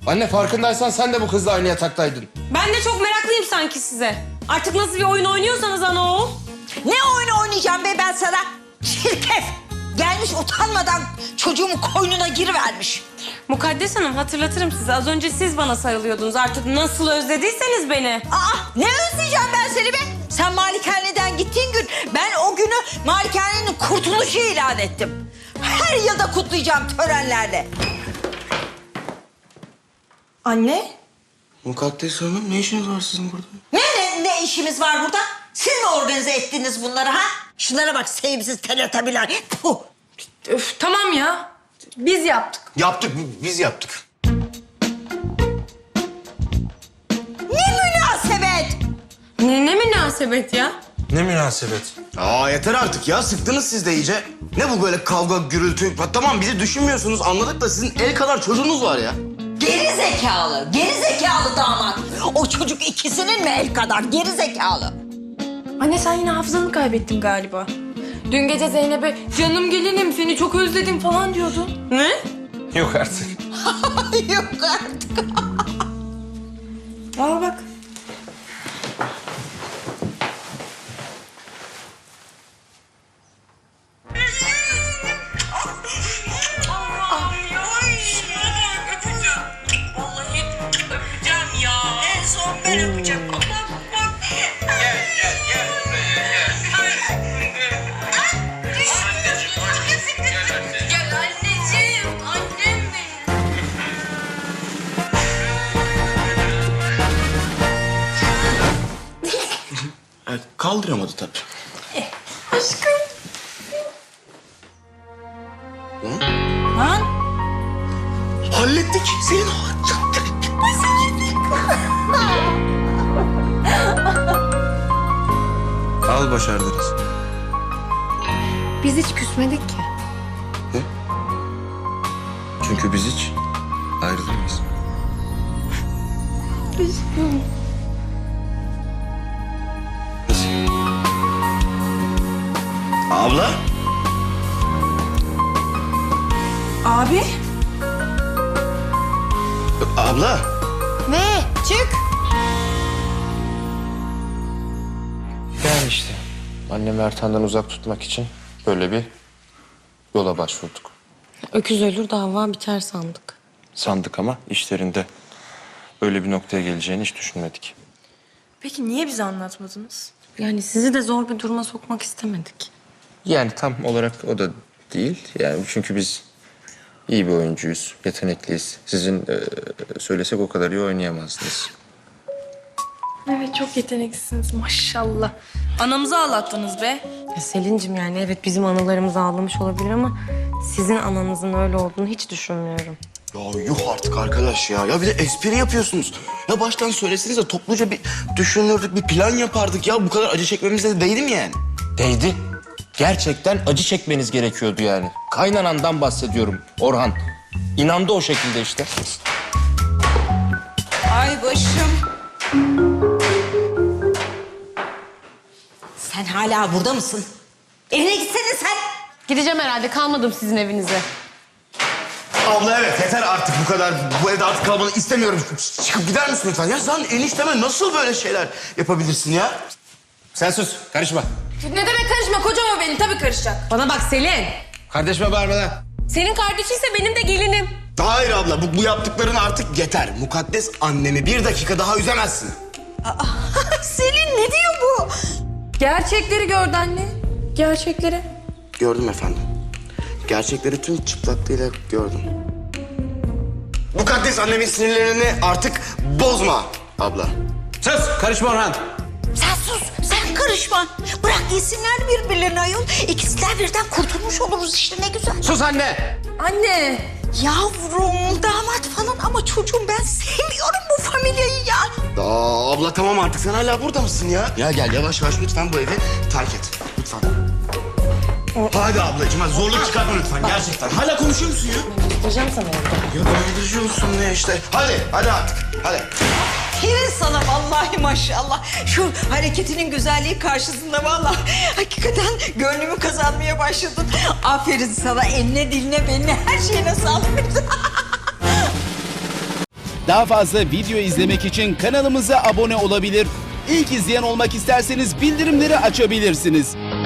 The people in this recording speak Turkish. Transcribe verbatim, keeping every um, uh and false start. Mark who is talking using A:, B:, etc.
A: Anne farkındaysan sen de bu kızla aynı yataktaydın.
B: Ben de çok meraklıyım sanki size. Artık nasıl bir oyun oynuyorsanız ana o.
C: Ne oyunu oynayacağım be ben sana? Çirkef! Gelmiş utanmadan çocuğumun koynuna girivermiş.
B: Mukaddes Hanım hatırlatırım size. Az önce siz bana sarılıyordunuz. Artık nasıl özlediyseniz beni.
C: Aa, ne özleyeceğim ben seni be? Sen malikaneden gittiğin gün ben o günü malikanenin kurtuluşu ilan ettim. Her yılda kutlayacağım törenlerle.
B: Anne?
A: Mukaddes Hanım ne işiniz var sizin burada?
C: Ne, ne, ne işimiz var burada? Siz mi organize ettiniz bunları ha? Şunlara bak sevimsiz teletabiler. Puh!
B: Öf, tamam ya. Biz yaptık.
A: Yaptık biz yaptık.
C: Ne münasebet!
B: Ne, ne münasebet ya?
D: Ne münasebet?
A: Aa yeter artık ya sıktınız siz de iyice. Ne bu böyle kavga gürültü? Ha, tamam bizi düşünmüyorsunuz anladık da sizin el kadar çocuğunuz var ya.
C: Geri zekalı, geri zekalı damat. O çocuk ikisinin mi el kadar geri zekalı?
B: Anne sen yine hafızanı kaybettin galiba. Dün gece Zeynep'e canım gelinim seni çok özledim falan diyordun. Ne?
D: Yok artık.
C: Yok artık.
B: Al bak.
A: Evet, kaldıramadı tabii.
B: Aşkım.
C: Lan
A: Hallettik. Senin hallettik.
D: Al başardınız.
B: Biz hiç küsmedik ki.
D: Çünkü biz hiç ayrılamayız.
A: Abla.
B: Abi.
A: Abla.
C: ne? Çık.
A: Yani işte annemi Ertan'dan uzak tutmak için böyle bir yola başvurduk.
B: Öküz ölür dava biter sandık.
D: Sandık ama işlerinde öyle bir noktaya geleceğini hiç düşünmedik.
E: Peki niye bize anlatmadınız?
B: Yani sizi de zor bir duruma sokmak istemedik.
D: Yani tam olarak o da değil. Yani çünkü biz iyi bir oyuncuyuz, yetenekliyiz. Sizin e, söylesek o kadar iyi oynayamazdınız.
E: Evet çok yeteneklisiniz maşallah. Anamızı ağlattınız be.
B: Ya Selin'cim yani evet bizim analarımız ağlamış olabilir ama sizin ananızın öyle olduğunu hiç düşünmüyorum.
A: Ya yuh artık arkadaş ya. Ya bir de espri yapıyorsunuz. Ya baştan söyleseniz de topluca bir düşünürdük, bir plan yapardık. Ya bu kadar acı çekmemize de değdi mi yani?
D: Değdi. Gerçekten acı çekmeniz gerekiyordu yani. Kaynanandan bahsediyorum Orhan. İnandı o şekilde işte.
C: Ay başım. Sen hala burada mısın? Evine gitsene sen.
B: Gideceğim herhalde kalmadım sizin evinize.
A: Abla evet yeter artık bu kadar. Bu evde artık kalmanı istemiyorum. Çıkıp gider misin lütfen? Ya sen enişteme nasıl böyle şeyler yapabilirsin ya?
D: Sen sus, karışma.
E: Ne demek karışma? Kocam o benim tabii karışacak.
B: Bana bak Selin.
D: Kardeşime bağırma lan.
B: Senin kardeşiyse benim de gelinim.
A: Hayır abla bu, bu yaptıkların artık yeter. Mukaddes annemi bir dakika daha üzemezsin.
C: Selin ne diyor bu?
E: Gerçekleri gördü anne. Gerçekleri.
A: Gördüm efendim. Gerçekleri tüm çıplaklığıyla gördüm. Mukaddes annemin sinirlerini artık bozma abla.
D: Sus, karışma Orhan.
C: Sen sus, sen karışma. Bırak yesinler birbirlerini ayol. İkisinden birden kurtulmuş oluruz işte ne güzel.
D: Sus anne.
E: Anne.
C: Yavrum, damat falan ama çocuğum ben sevmiyorum bu familyayı ya.
A: Aa, abla tamam artık sen hala burada mısın ya? Ya gel yavaş yavaş lütfen bu evi terk et. Lütfen. Hadi ablacığım hadi zorluk çıkartma lütfen gerçekten. Hala konuşuyor musun ya?
B: Gideceğim sana evde.
A: Ya donduruyorsun ne işte. Hadi hadi artık hadi.
C: Aferin sana vallahi maşallah. Şu hareketinin güzelliği karşısında vallahi hakikaten gönlümü kazanmaya başladın. Aferin sana eline diline beline her şeyine sağlık.
F: Daha fazla video izlemek için kanalımıza abone olabilir. İlk izleyen olmak isterseniz bildirimleri açabilirsiniz.